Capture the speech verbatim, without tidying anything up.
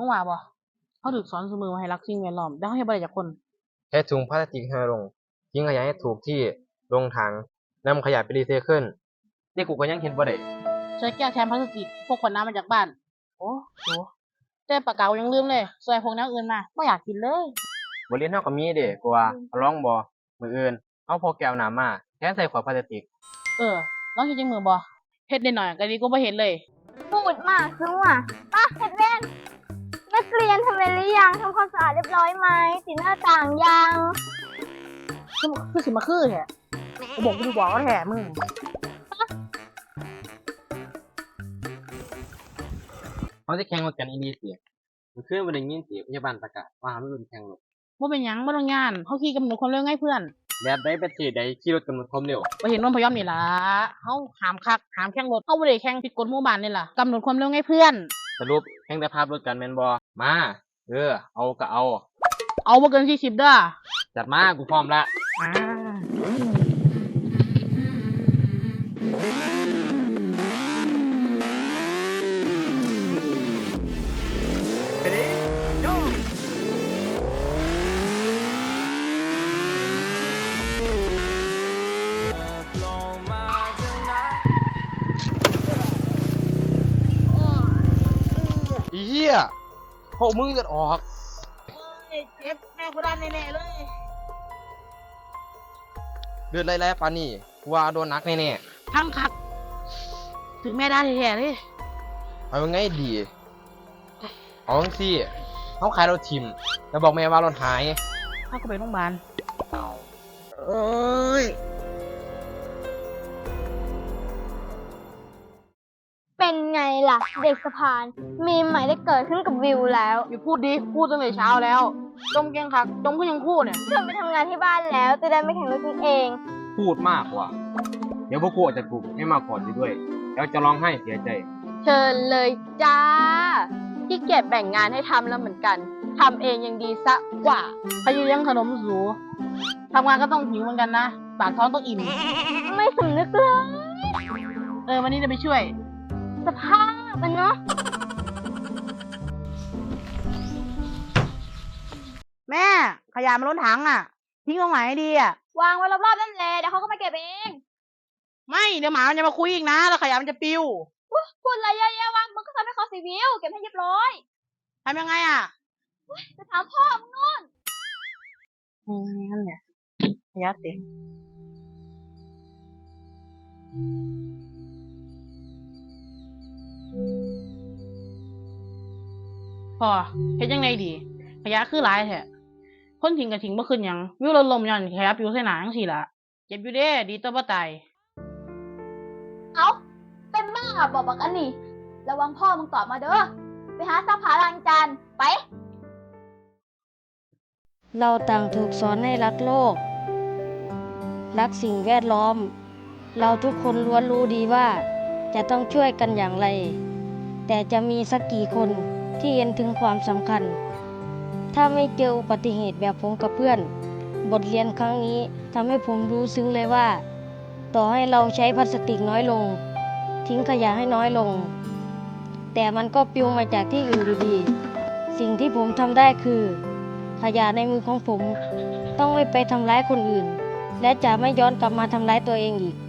งว่าบ่เขาถูกสอนเสมอว่าให้รักสิ่งแวดล้อมแต่เขาเฮ็ดบ่ได้จักคนใช้ถุงพลาสติกให้น้อยลงทิ้งขยะให้ถูกที่ลงถังนำขยะไปรีไซเคิลนี่กูก็ยังเห็นบ่ได้ใช้แก้วแทนพลาสติกพวกขวดน้ำมาจากบ้านโอ้โหแต่ปากกายังลืมเลยซอยพวกแนวอื่นมาบ่อยากกินเลยบทเรียนเฮาก็มีเด้กูว่าเอาลองบ่มื้ออื่นเอาพกแก้วน้ำมาแทนใส่ขวดพลาสติกเออลองเฮ็ดจังมือบ่เฮ็ดได้หน่อยก็ดีกว่าบ่เฮ็ดเลยพูดมากคือว่าป้าเฮ็ดเล่นนักเรียนทำเวรหรือยังทำความสะอาดเรียบร้อยไหมติดหน้าต่างยังคือคือสิมาคือแท้กูบอกกูดูบอกว่าแท้มึงเขาสิแข่งรถกันอีหลีติมื้อคืนบ่ได้ยินติพยาบาลประกาศว่าห้ามรุ่นแข่งรถบ่เป็นหยังบ่ต้องย้านเฮาขี่กำหนดความเร็วไงเพื่อนแบบใดประเทศใดขี่รถกำหนดความเร็วบ่เห็นนนพยอมนี่ล่ะเฮาห้ามคักห้ามแข่งรถเฮาบ่ได้แข่งผิดกฎหมู่บ้านนี่ล่ะกำหนดความเร็วไงเพื่อนสรุปแข่งแต่ภาพรถกันแม่นบ่มาเออเอาก็เอาเอาบ่เกินสี่สิบเด้อจัดมากูพร้อมละอ่าอีเหี้ยพวกมึงเลือดออกเอ้ยเจ็บแม่กูด้านแน่ๆเลยเลือดไหลๆปานนี้กูว่าโดนหนักแน่ๆพังคักถึงแม่ด้านแท้ๆเลยเอายังไงดีเอาจังซี่เฮาขายรถทิ่มแล้วบอกแม่ว่ารถหายเฮาก็ไปโรงพยาบาลเอ้ยเป็นไงล่ะเด็กสะพานมีใหม่ได้เกิดขึ้นกับวิวแล้วอย่าพูดดิพูดตั้งแต่เช้าแล้วจมเก่งคักจมก็ยังพูดเนี่ยชวนไปทำงานที่บ้านแล้วจะได้ไม่แข่งรถกันเองพูดมากกว่าเดี๋ยวพวกกูจะถูกให้มาก่อนด้วยแล้วจะร้องไห้เสียใจเชิญเลยจ้าขี้เกียจแบ่งงานให้ทำแล้วเหมือนกันทำเองยังดีซะกว่าพยุยังขนมสูทำงานก็ต้องหิวเหมือนกันนะปากท้องต้องอิ่มไม่สำนึกเลยเออวันนี้จะไปช่วยสภาพมันเนาะแม่ขยะมันล้นถังอ่ะทิ้งตรงไหนดีอ่ะวางไว้รอบๆนั่นแหละเดี๋ยวเขาก็มาเก็บเองไม่เดี๋ยวหมามันจะมาคุยอีกนะแล้วขยะมันจะปิวพูดอะไรเยอะแยะวางมึงก็ทำให้เขาเสียวิวเก็บให้เรียบร้อยทำยังไงอ่ะจะถามพ่อมึงนู่นอืมนั่นเนี่ยขยะเต็มพอเฮ็ดยังไงดีขยะคือหลายแท้คนทิ้งก็ทิ้งบ่ขึ้นหยังวิวลดลมย้อนขยะปิวใส่หน้าจังซี่ล่ะเจ็บอยู่เด้ดีต่อบ่ตายเอ้าเป็นบ้าบอกบักอันนี้ระวังพ่อมึงตอบมาเด้อไปหาซักผ้าล้างจานไปเราต่างถูกสอนให้รักโลกรักสิ่งแวดล้อมเราทุกคนล้วนรู้ดีว่าจะต้องช่วยกันอย่างไรแต่จะมีสักกี่คนที่เห็นถึงความสำคัญถ้าไม่เจออุบัติเหตุแบบผมกับเพื่อนบทเรียนครั้งนี้ทำให้ผมรู้ซึ้งเลยว่าต่อให้เราใช้พลาสติกน้อยลงทิ้งขยะให้น้อยลงแต่มันก็ปลิวมาจากที่อื่นอยู่ดีสิ่งที่ผมทำได้คือขยะในมือของผมต้องไม่ไปทำร้ายคนอื่นและจะไม่ย้อนกลับมาทำร้ายตัวเองอีก